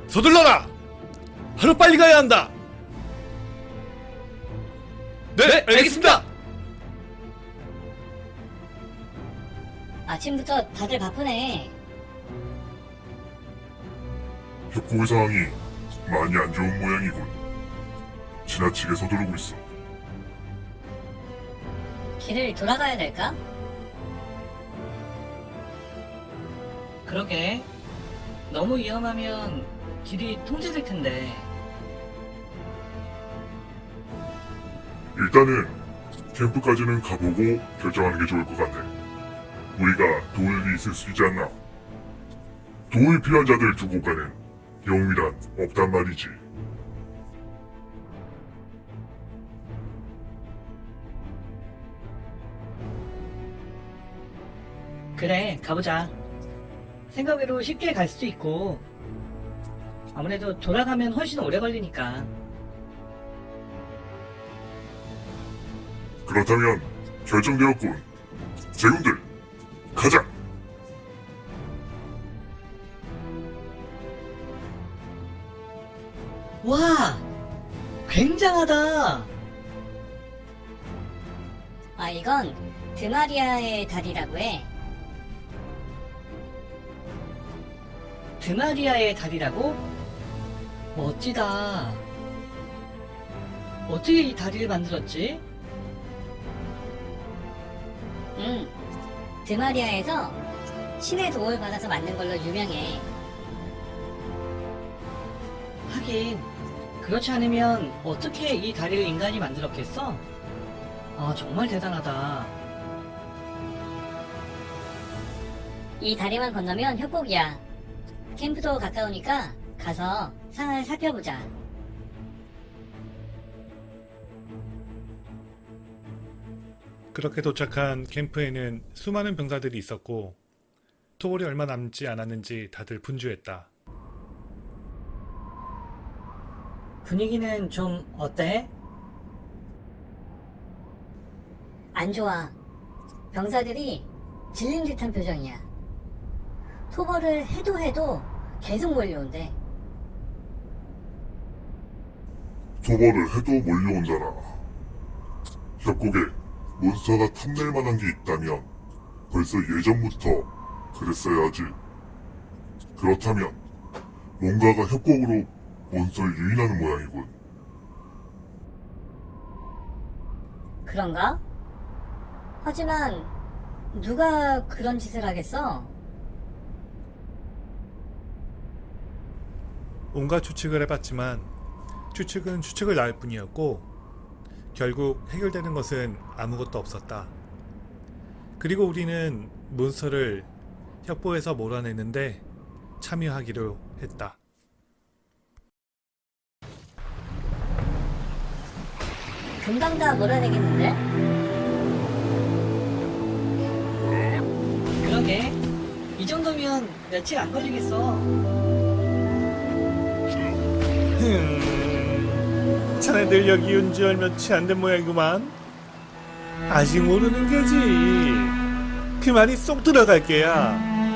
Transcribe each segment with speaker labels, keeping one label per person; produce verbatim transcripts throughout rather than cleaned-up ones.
Speaker 1: 서둘러라! 하루빨리 가야 한다! 네,
Speaker 2: 네,
Speaker 1: 알겠습니다!
Speaker 3: 아침부터 다들 바쁘네.
Speaker 4: 협곡의 상황이 많이 안 좋은 모양이군. 지나치게 서두르고 있어.
Speaker 3: 길을 돌아가야 될까?
Speaker 2: 그러게. 너무 위험하면 길이 통제될 텐데.
Speaker 4: 일단은 캠프까지는 가보고 결정하는 게 좋을 것 같네. 우리가 도울 일이 있을 수 있지 않나? 도움이 필요한 자들 두고 가는 영웅이란 없단 말이지.
Speaker 2: 그래, 가보자. 생각외로 쉽게 갈 수도 있고, 아무래도 돌아가면 훨씬 오래 걸리니까.
Speaker 4: 그렇다면 결정되었군. 제군들, 가자!
Speaker 2: 와! 굉장하다!
Speaker 3: 아, 이건 드마리아의 다리라고 해.
Speaker 2: 드마리아의 다리라고? 멋지다. 어떻게 이 다리를 만들었지?
Speaker 3: 응. 드마리아에서 신의 도움을 받아서 만든 걸로 유명해.
Speaker 2: 하긴, 그렇지 않으면 어떻게 이 다리를 인간이 만들었겠어? 아, 정말 대단하다.
Speaker 3: 이 다리만 건너면 협곡이야. 캠프도 가까우니까 가서 상황을 살펴보자.
Speaker 1: 그렇게 도착한 캠프에는 수많은 병사들이 있었고 토벌이 얼마 남지 않았는지 다들 분주했다.
Speaker 2: 분위기는 좀 어때?
Speaker 3: 안 좋아. 병사들이 질린 듯한 표정이야. 토벌을 해도 해도 계속 몰려온대.
Speaker 4: 도발을 해도 몰려온다나. 협곡에 몬스터가 탐낼 만한 게 있다면 벌써 예전부터 그랬어야지. 그렇다면 뭔가가 협곡으로 몬스터를 유인하는 모양이군.
Speaker 3: 그런가? 하지만 누가 그런 짓을 하겠어?
Speaker 1: 온갖 추측을 해봤지만 추측은 추측을 낳을 뿐이었고 결국 해결되는 것은 아무것도 없었다. 그리고 우리는 몬스터를 협보에서 몰아내는데 참여하기로 했다.
Speaker 3: 금방 다 몰아내겠는데?
Speaker 2: 그러게. 이 정도면 며칠 안 걸리겠어.
Speaker 1: 흠, 자네들 여기 온 지 얼마 채 안 된 모양이구만. 아직 모르는 게지. 그 말이 쏙 들어갈 게야.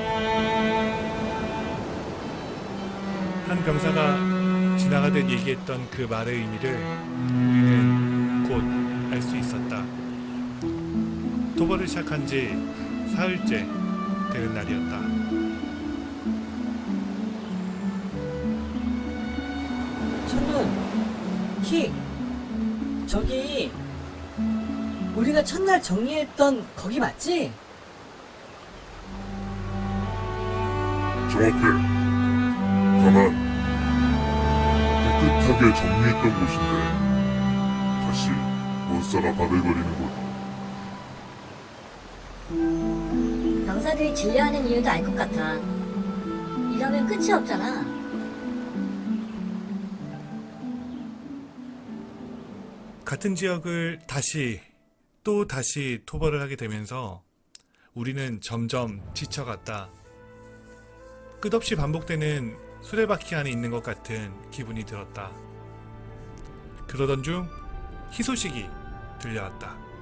Speaker 1: 한 병사가 지나가듯 얘기했던 그 말의 의미를 우리는 곧 알 수 있었다. 도벌을 시작한 지 사흘째 되는 날이었다.
Speaker 2: 천눈, 킥, 저기 우리가 첫날 정리했던 거기 맞지?
Speaker 4: 정확해. 다만 깨끗하게 정리했던 곳인데 다시 몬스터가 바글거리는 곳.
Speaker 3: 병사들이 진료하는 이유도 알 것 같아. 이러면 끝이 없잖아.
Speaker 1: 같은 지역을 다시 또 다시 토벌을 하게 되면서 우리는 점점 지쳐갔다. 끝없이 반복되는 수레바퀴 안에 있는 것 같은 기분이 들었다. 그러던 중 희소식이 들려왔다.